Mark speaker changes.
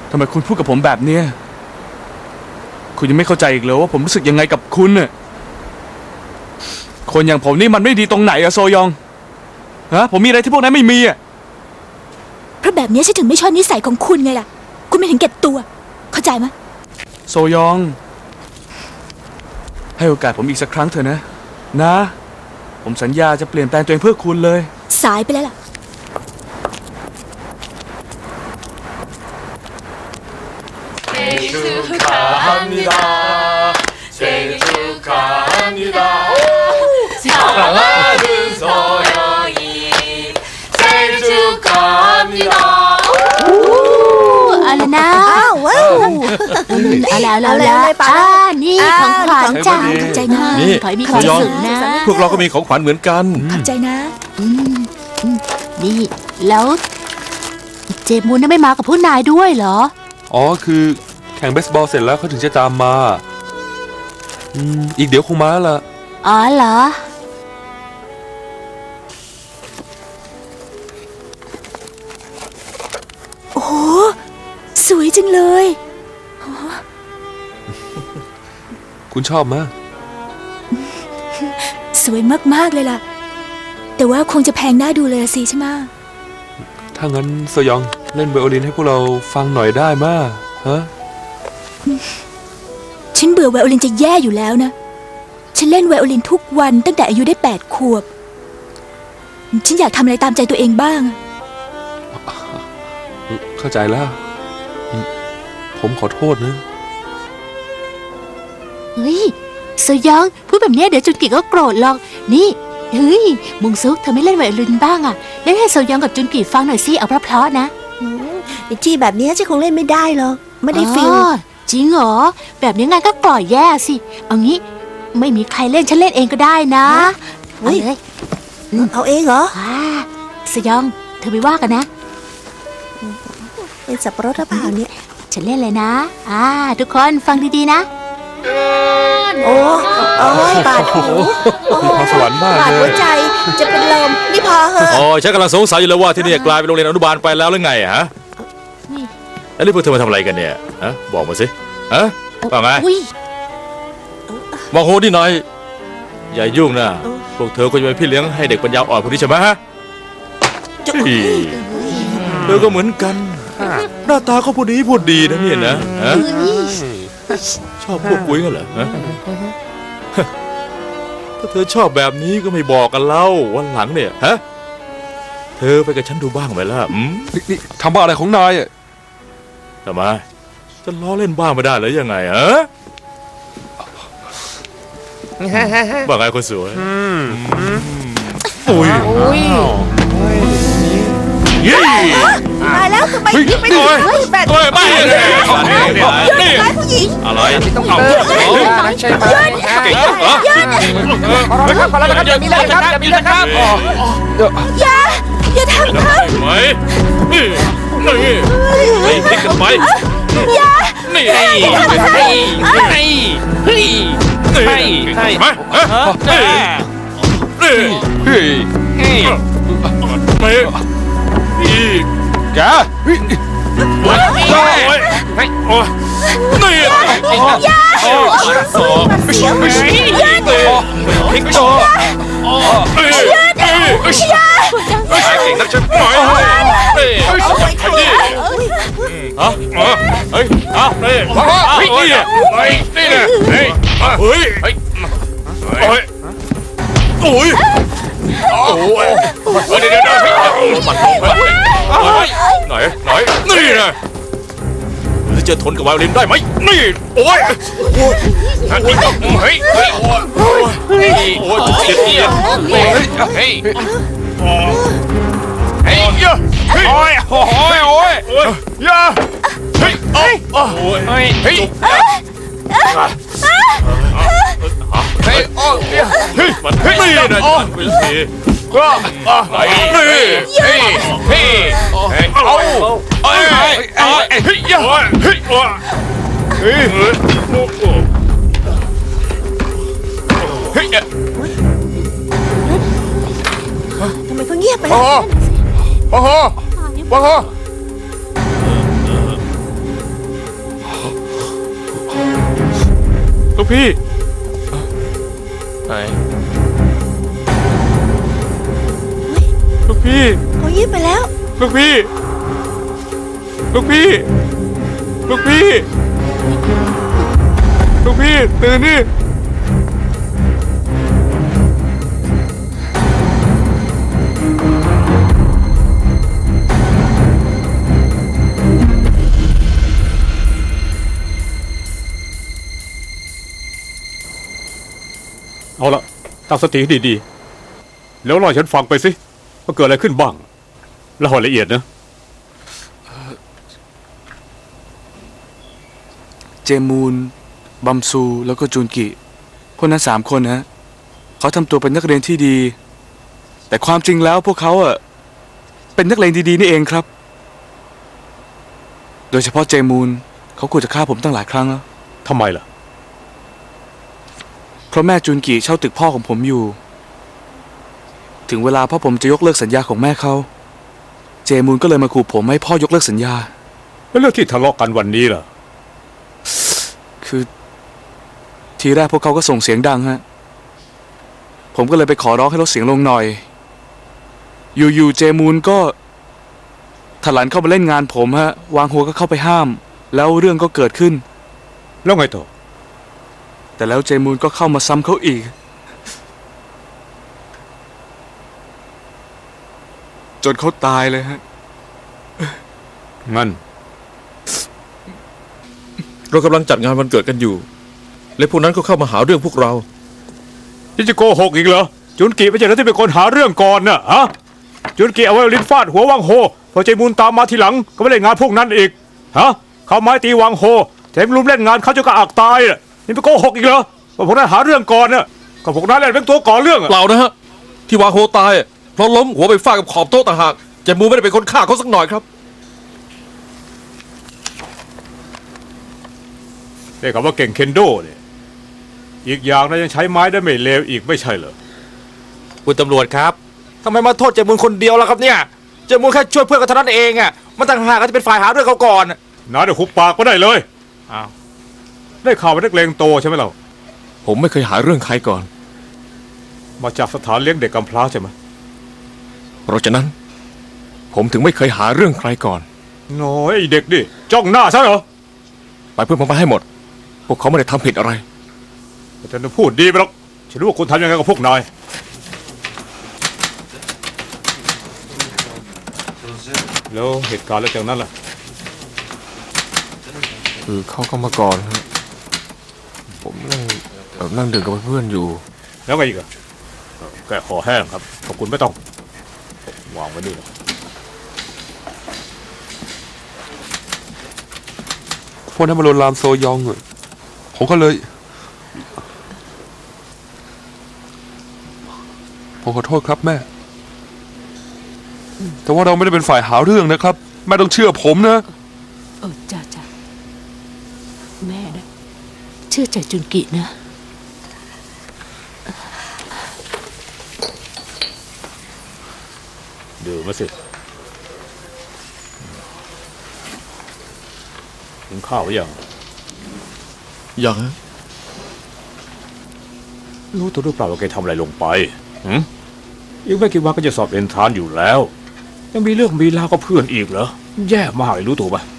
Speaker 1: ทำไมคุณพูดกับผมแบบนี้คุณยังไม่เข้าใจอีกเหรอว่าผมรู้สึกยังไงกับคุณน่ะคนอย่างผมนี่มันไม่ดีตรงไหนอะโซยองฮะผมมีอะไรที่พวกนั้นไม่มีอะ
Speaker 2: เพราะแบบนี้ฉันถึงไม่ชอบนิสัยของคุณไงล่ะคุณไม่ถึงเก็บตัวเข้าใจไหม
Speaker 1: โซยองให้โอกาสผมอีกสักครั้งเถอะนะผมสัญญาจะเปลี่ยนแปลงตัวเองเพื่อคุณเลย
Speaker 2: สายไปแล้วล่ะ
Speaker 3: อะไรนะว้าวอะไรนี่ของขวัญจ้า
Speaker 2: ขอบใจนะ
Speaker 4: นี่
Speaker 3: ขอให้มีความสุขนะ
Speaker 4: พวกเราก็มีของขวัญเหมือนกัน
Speaker 2: ขอบใจนะ
Speaker 3: นี่แล้วเจมูนไม่มากับผู้นายด้วยเหรอ
Speaker 4: อ๋อคือแข่งเบสบอลเสร็จแล้วเขาถึงจะตามมาอีกเดี๋ยวคงมาละ
Speaker 3: อ๋อเหรอ
Speaker 2: โอ้สวยจังเลย
Speaker 4: คุณชอบมั้ย
Speaker 2: สวยมากๆเลยล่ะแต่ว่าคงจะแพงน่าดูเลยสิใช่ไหม
Speaker 4: ถ้างั้นโซยองเล่นไวโอลินให้พวกเราฟังหน่อยได้มั้ยฮะ
Speaker 2: ฉันเบื่อไวโอลินจะแย่อยู่แล้วนะฉันเล่นไวโอลินทุกวันตั้งแต่อายุได้8 ขวบฉันอยากทำอะไรตามใจตัวเองบ้าง
Speaker 4: เข้าใจแล้วผมขอโทษนะ
Speaker 3: เฮ้ยโซยองพูดแบบนี้เดี๋ยวจุนกิก็โกรธหรอกนี่เฮ้ยมุงซุกเธอไม่เล่นไวโอลินบ้างอ่ะเล่นให้โซยองกับจุนกิฟังหน่อยสิเอาเพราะๆนะ
Speaker 5: จี้แบบนี้ฉันคงเล่นไม่ได้หรอกไม่ได้ฟิล
Speaker 3: จริงเหรอแบบนี้งานก็กล่อยแย่สิเอางี้ไม่มีใครเล่นฉันเล่นเองก็ได้นะเอาเลย
Speaker 5: เอาเองเหรอ
Speaker 3: โซยองเธอไม่ว่ากันนะ
Speaker 5: เป็นสับปะรดหรือเปล่าเนี่ย
Speaker 3: ฉันเล่นเลยนะทุกคนฟังดีๆนะ
Speaker 5: โอ้บาดหู
Speaker 4: พรสวรรค์มากเลย
Speaker 5: บาดหัวใจจะเป็นลมนี่พอเหอะ
Speaker 6: ฉันกำลังสงสัยอยู่แล้วว่าที่นี่กลายเป็นโรงเรียนอนุบาลไปแล้วหรือไงฮะแล้วนี่พวกเธอมาทำอะไรกันเนี่ยฮะบอกมาสิฮะว่าไงบอกโหดิหน่อยอย่ายุ่งนะพวกเธอควรจะเป็นพี่เลี้ยงให้เด็กปัญญาอ่อนพวกนี้ใช่ไหมฮะเธอก็เหมือนกันหน้าตาเขาพูดดีนะเนี่ยนะชอบพวกกุ้ยกันเหรอถ้าเธอชอบแบบนี้ก็ไม่บอกกันเล่าวันหลังเนี่ยฮะเธอไปกับฉันดูบ้างไหมล่ะ
Speaker 4: นี่ทำบ้าอะไรของนาย
Speaker 6: ทำไมจะล้อเล่นบ้างไม่ได้หรือยังไงฮะว่าไงคนสวยอุ้ย
Speaker 5: ตายแล้วทำไมยิงไม่ได้แบบนี้
Speaker 6: ไม่เลย
Speaker 5: นี่ผู้หญิง
Speaker 6: อะไรต้องเอา
Speaker 5: ใช่ไหม
Speaker 6: เก่งเหรอ
Speaker 5: พอแล้วครับอย่ามีเลยครับอย่ามีเลยครับอย่าทำครับ
Speaker 6: ไหมนี่พลิกกันไปนี่
Speaker 4: แก
Speaker 6: โอ้ยนี่สอบไม่พลิกโตเก่งนักฉันหน่อยเฮ้ยนี่นะจะทนกับไวโอลินได้ไหมนี่โอ้ยนี่ก็เฮ้ยโอ้ยเจ็บนี่เฮ้ยโอ้ยอย่าเฮ้ยโอ้ยเฮ้ยเฮ้ยมันเฮ้ยนี่นะวิลซีก็นี่เฮ้ยเอาเฮ้ยอย่าเฮ้ย
Speaker 5: ทำไมเขาเงียบไปแล้ว
Speaker 1: ลูกพี่ไหนลูกพี่
Speaker 5: เขายิ้มไปแล้ว
Speaker 1: ลูกพี่ ลูกพี่ ลูกพี่ ลูกพี่ตื่นนี่
Speaker 7: เอาละตั้งสติให้ดีๆแล้วเล่าให้ฉันฟังไปสิว่าเกิดอะไรขึ้นบ้างเล่าให้ละเอียดนะ
Speaker 1: เจมูนบัมซูแล้วก็จูนกิพวกนั้น3 คนนะเขาทำตัวเป็นนักเรียนที่ดี แต่ความจริงแล้วพวกเขาเป็นนักเลงดีๆนี่เองครับ โดยเฉพาะเจมูนเขาขู่จะฆ่าผมตั้งหลายครั้งแล้ว
Speaker 7: ทำไมล่ะ
Speaker 1: เพราะแม่จูนกิเช่าตึกพ่อของผมอยู่ ถึงเวลาพ่อผมจะยกเลิกสัญญาของแม่เขาเจมูนก็เลยมาขู่ผมให้พ่อยกเลิกสัญญา
Speaker 7: แล้วเรื่องที่ทะเลาะกันวันนี้ล่ะ
Speaker 1: คือทีแรกพวกเขาก็ส่งเสียงดังฮะผมก็เลยไปขอร้องให้ลดเสียงลงหน่อยอยู่ๆเจมูนก็ถลันเข้ามาเล่นงานผมฮะวางหัวก็เข้าไปห้ามแล้วเรื่องก็เกิดขึ้น
Speaker 7: แล้วไงต่อ
Speaker 1: แต่แล้วเจมูนก็เข้ามาซ้ำเขาอีกจนเขาตายเลยฮะ
Speaker 7: งั้น
Speaker 6: เรากำลังจัดงานวันเกิดกันอยู่ และพวกนั้นก็เข้ามาหาเรื่องพวกเรา
Speaker 7: นี่จะโกหกอีกเหรอจุนกิไม่ใช่เหรอที่เป็นคนหาเรื่องก่อนน่ะฮะจุนกิเอาไว้ลิ้นฟาดหัววังโฮพอใจมูลตามมาทีหลังก็ไม่เล่นงานพวกนั้นอีกฮะเขาไม้ตีวังโฮแถมลุมเล่นงานเขาจนกระอักตายน่ะนี่ไปโกหกอีกเหรอว่าพวกนั้นหาเรื่องก่อนน่ะก็พวกนั้นแหละเป็นตัวก่อเรื่องอะ
Speaker 6: เปล่านะฮะ ที่วาโฮตายเพราะล้มหัวไปฟาดกับขอบโต๊ะต่างหากเจมูไม่ได้เป็นคนฆ่าเขาสักหน่อยครับ
Speaker 7: เรียกว่าเก่งเคนโดเนี่ยอีกอย่างนะยังใช้ไม้ได้ไม่เลวอีกไม่ใช่เหรอ
Speaker 8: คุณตำรวจครับทำไมมาโทษเจมูลคนเดียวล่ะครับเนี่ยเจมูลแค่ช่วยเพื่อนกันเท่านั้นเองอ่ะมันต่างหากก็จะเป็นฝ่ายหาเรื่องเขาก่อน
Speaker 7: น้าเดี๋ยวหุบปากก็ได้เลยอ้าวได้ข่าวว่านักเลงโตใช่ไหมเรา
Speaker 6: ผมไม่เคยหาเรื่องใครก่อน
Speaker 7: มาจากสถานเลี้ยงเด็กกำพร้าใช่ไหม
Speaker 6: เพราะฉะนั้น ผมถึงไม่เคยหาเรื่องใครก่อน
Speaker 7: น้อยไอ้เด็กดิจ้องหน้าซะเหรอ
Speaker 6: ไปเพื่อนผมไปให้หมด พวกเขาไม่ได้ทำผิดอะไร
Speaker 7: แต่ฉันจะพูดดีไปหรอกฉันรู้ว่าคุณทำยังไงกับพวกนายแล้วเหตุการณ์แล้วจากนั้นล่ะ
Speaker 4: คือเขาก็มาก่อนฮะผมนั่งดื่มกับเพื่อนอยู่
Speaker 7: แล้วไงอีกอะแกะคอแห้งครับขอบคุณไม่ต้องวางไว้นี่นะ
Speaker 4: พวกนั้นมาลวนลามโซยองอะผมก็เลย ผมขอโทษครับแม่ แต่ว่าเราไม่ได้เป็นฝ่ายหาเรื่องนะครับ แม่ต้องเชื่อผมนะ
Speaker 3: จ้าแม่นะเชื่อใจจุนกินะ
Speaker 7: ดื่มมาสิกินข้าวหรือยัง
Speaker 6: อย่าง
Speaker 7: รู้ตัวหรือเปล่าว่าแกทำอะไรลงไปอีกไม่กี่วันก็จะสอบเอนทรานซ์อยู่แล้ว ยังมีเรื่องมีราวกับเพื่อนอีกเหรอแย่มากเลยรู้ตัวปะ